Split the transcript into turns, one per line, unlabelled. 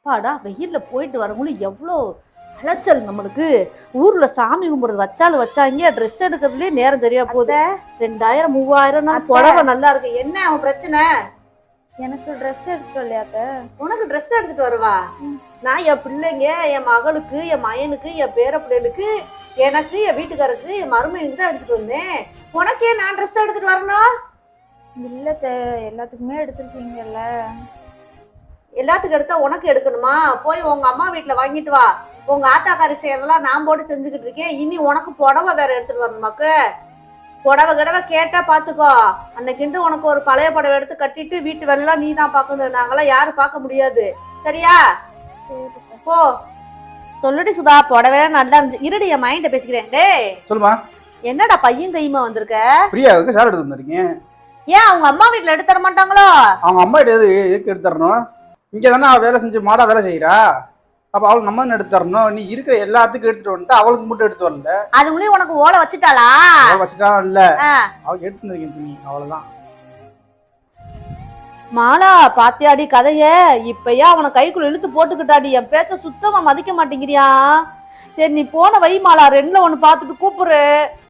அப்பாடா வெயில்ல போயிட்டு வரவங்களும் எவ்வளோ அலைச்சல் நம்மளுக்கு. ஊர்ல சாமி கும்பிடுறது வச்சாலும் வச்சாங்க, ட்ரெஸ் எடுக்கிறதுலயே நேரம் சரியா போகுது. 2000 3000 புடவை நல்லா இருக்கு. என்ன அவன் பிரச்சனை?
எனக்கு ட்ரெஸ் எடுத்துட்டு வரலையாத்த?
உனக்கு ட்ரெஸ் எடுத்துட்டு வருவா? நான் என் பிள்ளைங்க, என் மகளுக்கு, என் மயனுக்கு, என் பேர பிள்ளைகளுக்கு, எனக்கு, என் வீட்டுக்காரருக்கு, என் மருமையுக்கு தான் எடுத்துட்டு வந்தேன். உனக்கே நான் ட்ரெஸ் எடுத்துட்டு வரணும்?
இல்லத்த, எல்லாத்துக்குமே எடுத்துருக்கீங்கல்ல.
எல்லாத்துக்கும் எடுத்தா உனக்கு எடுக்கணுமா? போய் உங்க அம்மா வீட்டுல வாங்கிட்டு வா. உங்க ஆத்தாக்காரி செய்யறதெல்லாம் நான் போட்டு செஞ்சுக்கிட்டு இருக்கேன். இனி உனக்கு புடவை வேற எடுத்துட்டு வரணுமாக்கு? புடவை கிடவை கேட்டா பாத்துக்கோ. அன்னைக்கு உனக்கு ஒரு பழைய புடவை எடுத்து கட்டிட்டு வீட்டு வேலைலாம் நீ தான் பாக்கணும். நாங்களாம் யாரும் பார்க்க முடியாது. சரியா?
சரி
போ. சொல்லுடி சுதா, புடவை நல்லா இருந்துச்சு. இருடி, என் மைண்ட பேசிக்கிறேன். டேய்
சொல்லுமா.
என்னடா பையன் கையுமா வந்திருக்க?
பிரியாவுக்கு சார் எடுத்து வந்திருக்கீங்க.
ஏன் அவங்க அம்மா வீட்டுல எடுத்து தர மாட்டாங்களோ?
அவங்க அம்மா எதுக்கு எடுத்து தரணும்? இங்க தானே அவ வேலை செஞ்சு மாடா வேலை செய்யறா. அப்ப அவளுக்கு நம்ம தானே எடுத்து தரணும். நீ இருக்கிற எல்லாத்துக்கும் எடுத்துட்டு வந்துட்டு அவளுக்கு மட்டும் எடுத்து வரல.
அதுங்களையும் உனக்கு ஓலை வச்சுட்டாளா?
வச்சுட்டா இல்ல, அவளுக்கு எடுத்து வந்திருக்கேன் துணி, அவ்வளவுதான்.
மாலா பாத்தியாடி கதைய? இப்பயா அவனை கைக்குள்ள இழுத்து போட்டுக்கிட்டாடி. என் பேச்ச சுத்தமா மதிக்க மாட்டேங்கிறியா? சரி நீ போன வை மாலா, 2ல 1 பார்த்துட்டு கூப்பிடுற.